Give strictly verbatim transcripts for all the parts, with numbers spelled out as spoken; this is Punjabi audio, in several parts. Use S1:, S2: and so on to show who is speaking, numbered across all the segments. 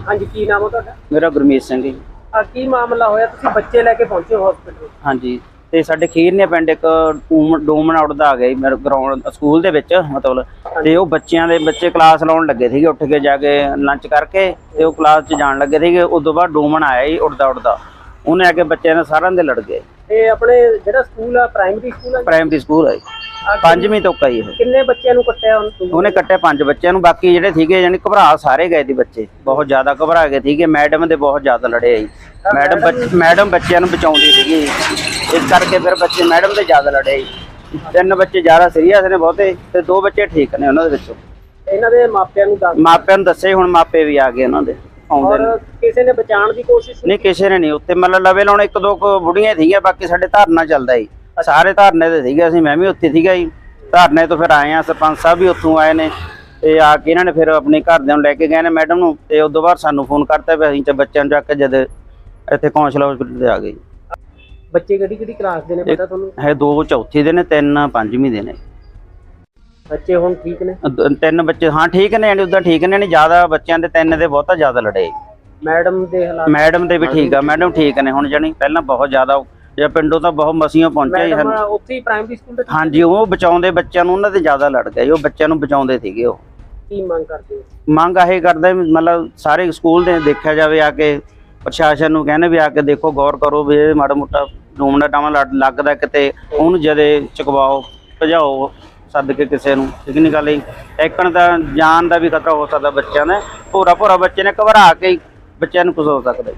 S1: हाँ जी, की नाम है तुहाडा?
S2: मेरा गुरमीत सिंह जी।
S1: आ की मामला होया तुसीं बच्चे लेके पहुंचे हो हॉस्पिटल?
S2: हाँ जी, ते साडे खीरने पिंड एक डूमन उड़दा आ गया मेरे ग्राउंड स्कूल दे विच मतलब ते ओह बच्चियां दे बच्चे क्लास लाउण लगे सीगे उठ के जाके लंच करके ते ओह क्लास च जाण लगे सीगे। उस तो बाद डूमन आया जी उड़दा उड़दा उन्हें आके बच्चों ने सारिਆਂ ਦੇ लड़ गए।
S1: ਤੇ ਆਪਣੇ ਜਿਹੜਾ ਸਕੂਲ ਆ ਪ੍ਰਾਇਮਰੀ ਸਕੂਲ ਆ?
S2: ਪ੍ਰਾਇਮਰੀ ਸਕੂਲ ਹੈ ਪੰਜਵੀਂ ਤੋਂ ਕਈ ਇਹ
S1: ਕਿੰਨੇ ਬੱਚਿਆਂ ਨੂੰ ਕੱਟਿਆ
S2: ਉਹਨੇ ਕੱਟਿਆ ਪੰਜ ਬੱਚਿਆਂ ਨੂੰ। ਬਾਕੀ ਜਿਹੜੇ ਸੀਗੇ ਯਾਨੀ ਘਬਰਾ ਸਾਰੇ ਗਏ ਸੀ ਬੱਚੇ, ਬਹੁਤ ਜ਼ਿਆਦਾ ਘਬਰਾ ਗਏ ਸੀਗੇ। ਮੈਡਮ ਦੇ ਬਹੁਤ ਜ਼ਿਆਦਾ ਲੜੇ ਜੀ। ਮੈਡਮ ਮੈਡਮ ਬੱਚਿਆਂ ਨੂੰ ਬਚਾਉਂਦੀ ਸੀਗੀ, ਇਸ ਕਰਕੇ ਫਿਰ ਬੱਚੇ ਮੈਡਮ ਦੇ ਜ਼ਿਆਦਾ ਲੜੇ ਜੀ। ਤਿੰਨ ਬੱਚੇ ਜ਼ਿਆਦਾ ਸੀਰੀਅਸ ਨੇ ਬਹੁਤੇ ਤੇ ਦੋ ਬੱਚੇ ਠੀਕ ਨੇ ਉਹਨਾਂ ਦੇ ਵਿੱਚੋਂ।
S1: ਇਹਨਾਂ ਦੇ ਮਾਪਿਆਂ ਨੂੰ ਦੱਸ
S2: ਮਾਪਿਆਂ ਨੂੰ ਦੱਸੇ, ਹੁਣ ਮਾਪੇ ਵੀ ਆ ਗਏ ਉਹਨਾਂ ਦੇ ਆਉਂਦੇ ਨੇ।
S1: ਕਿਸੇ ਨੇ ਬਚਾਉਣ ਦੀ ਕੋਸ਼ਿਸ਼
S2: ਨਹੀਂ ਕਿਸੇ ਨੇ ਨਹੀਂ। ਉੱਤੇ ਮਤਲਬ ਲਵੇ ਲਾਉਣ ਇੱਕ ਦੋ ਬੁੜੀਆਂ ਸੀਗੀਆਂ, ਬਾਕੀ ਸਾਡੇ ਧਰਨਾ ਚੱਲਦਾ ਜੀ। ਸਾਰੇ ਧਰਨੇ ਤੇ ਸੀਗੇ, ਅਸੀਂ ਮੈਂ ਵੀ ਉੱਥੇ ਸੀਗਾ ਜੀ। ਧਰਨੇ ਤੋਂ ਫਿਰ ਆਏ ਆ, ਸਰਪੰਚ ਸਾਹਿਬ ਵੀ ਉੱਥੋਂ ਆਏ ਨੇ ਤੇ ਆ ਕੇ ਇਹਨਾਂ ਨੇ ਫਿਰ ਆਪਣੇ ਘਰਦਿਆਂ ਨੂੰ ਲੈ ਕੇ ਗਏ ਨੇ ਮੈਡਮ ਨੂੰ। ਤੇ ਉਸ ਤੋਂ ਬਾਅਦ ਸਾਨੂੰ ਫੋਨ ਕਰਤਾ ਵੀ ਅਸੀਂ ਤੇ ਬੱਚਿਆਂ ਨੂੰ ਚੱਕ ਕੇ ਜਦ ਇੱਥੇ ਕੌਂਸਲ ਹਸਪੀਟਲ ਤੇ ਆ ਗਏ।
S1: ਬੱਚੇ ਕਿਹੜੀ ਕਿਹੜੀ ਕਲਾਸ ਦੇ ਨੇ ਪਤਾ ਤੁਹਾਨੂੰ?
S2: ਹੈ ਦੋ ਚੌਥੀ ਦੇ ਨੇ, ਤਿੰਨ ਪੰਜਵੀਂ ਦੇ ਨੇ।
S1: ਬੱਚੇ ਹੁਣ ਠੀਕ ਨੇ?
S2: ਤਿੰਨ ਬੱਚੇ ਹਾਂ ਠੀਕ ਨੇ, ਯਾਨੀ ਉਦਾਂ ਠੀਕ ਨੇ। ਨਹੀਂ ਜ਼ਿਆਦਾ ਬੱਚਿਆਂ ਦੇ ਤਿੰਨ ਦੇ ਬਹੁਤਾ ਜ਼ਿਆਦਾ ਲੜੇ।
S1: ਮੈਡਮ ਦੇ ਹਾਲਾਤ?
S2: ਮੈਡਮ ਦੇ ਵੀ ਠੀਕ ਆ, ਮੈਡਮ ਠੀਕ ਨੇ ਹੁਣ। ਜਾਣੀ ਪਹਿਲਾਂ ਬਹੁਤ ਜ਼ਿਆਦਾ ਜਾਂ ਪਿੰਡੋਂ ਤਾਂ ਬਹੁਤ ਮਸੀਆਂ ਪਹੁੰਚਿਆ ਜੀ।
S1: ਉੱਥੇ ਹੀ ਪ੍ਰਾਇਮਰੀ ਸਕੂਲ ਦੇ?
S2: ਹਾਂਜੀ, ਉਹ ਬਚਾਉਂਦੇ ਬੱਚਿਆਂ ਨੂੰ, ਉਹਨਾਂ ਤੇ ਜ਼ਿਆਦਾ ਲੜ ਗਏ। ਉਹ ਬੱਚਿਆਂ ਨੂੰ ਬਚਾਉਂਦੇ ਸੀਗੇ। ਉਹ
S1: ਕੀ ਮੰਗ ਕਰਦੇ ਹੋ?
S2: ਮੰਗ ਇਹ ਕਰਦੇ ਮਤਲਬ ਸਾਰੇ ਸਕੂਲ ਦੇ ਦੇਖਿਆ ਜਾਵੇ, ਆ ਕੇ ਪ੍ਰਸ਼ਾਸਨ ਨੂੰ ਕਹਿੰਦੇ ਵੀ ਆ ਕੇ ਦੇਖੋ, ਗੌਰ ਕਰੋ ਵੀ ਇਹ ਮਾੜਾ ਮੋਟਾ ਡੂਮਣਾ ਟਾਵਾਂ ਲੱਗਦਾ ਕਿਤੇ ਉਹਨੂੰ ਜਦੇ ਚੁਕਵਾਓ, ਭਜਾਓ ਸੱਦ ਕੇ ਕਿਸੇ ਨੂੰ। ਠੀਕ ਨਹੀਂ ਗੱਲ ਜੀ। ਟੈਕਣ ਦਾ ਜਾਨ ਦਾ ਵੀ ਖਤਰਾ ਹੋ ਸਕਦਾ ਬੱਚਿਆਂ ਦਾ। ਭੋਰਾ ਭੋਰਾ ਬੱਚੇ ਨੇ ਘਬਰਾ ਕੇ ਬੱਚਿਆਂ ਨੂੰ ਕੁਝ ਹੋ ਸਕਦਾ।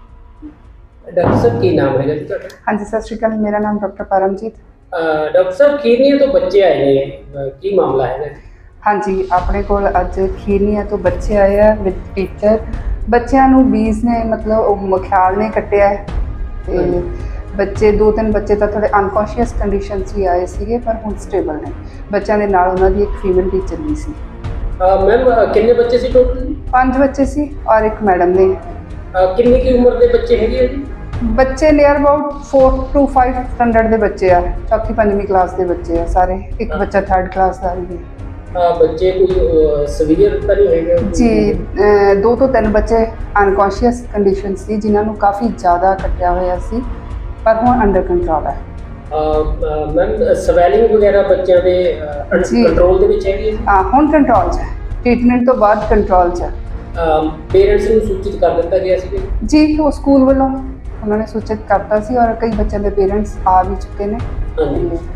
S1: डॉक्टर साहब की नाम है जी?
S3: हाँ जी, सत श्री अकाल। मेरा नाम डॉक्टर परमजीत।
S1: डॉक्टर साहब खीरनिया तो बच्चे आए हैं, की मामला है?
S3: हाँ जी, अपने को अज खीरनिया तो बच्चे आए हैं विद टीचर। बच्चों को बीस ने मतलब ख्याल ने कट्टिया है ते बच्चे दो तीन बच्चे तो थोड़े अनकॉन्शियस कंडीशन ही आए थे, पर हुण स्टेबल ने। बच्चों के नाल उन्हां दी एक फीमेल टीचर भी सी।
S1: मैम कितने बच्चे सी टोटल?
S3: पांच बच्चे सी और एक मैडम ने।
S1: कितनी की उम्र के बच्चे है जी?
S3: बच्चे near about four to five standard के बच्चे आ, चौथी पंजवीं क्लास के बच्चे आ सारे। एक बच्चा थर्ड क्लास का भी।
S1: बच्चे कोई सीवियर तो नहीं है
S3: जी? दो तो तीन बच्चे अनकॉन्शियस कंडीशन सी, जिन्होंने काफ़ी ज़्यादा कट्टिया होया सी, पर हुण अंडर कंट्रोल है।
S1: मैम स्वैलिंग वगैरह बच्चों के कंट्रोल दे विच है?
S3: हाँ, हुण कंट्रोल च है। ट्रीटमेंट तो बाद कंट्रोल च है।
S1: पेरेंट्स नूं सूचित कर दिता गया सी
S3: जी? वो स्कूल वालों उन्होंने सूचित करता सी और कई बच्चों के पेरेंट्स आ भी चुके हैं।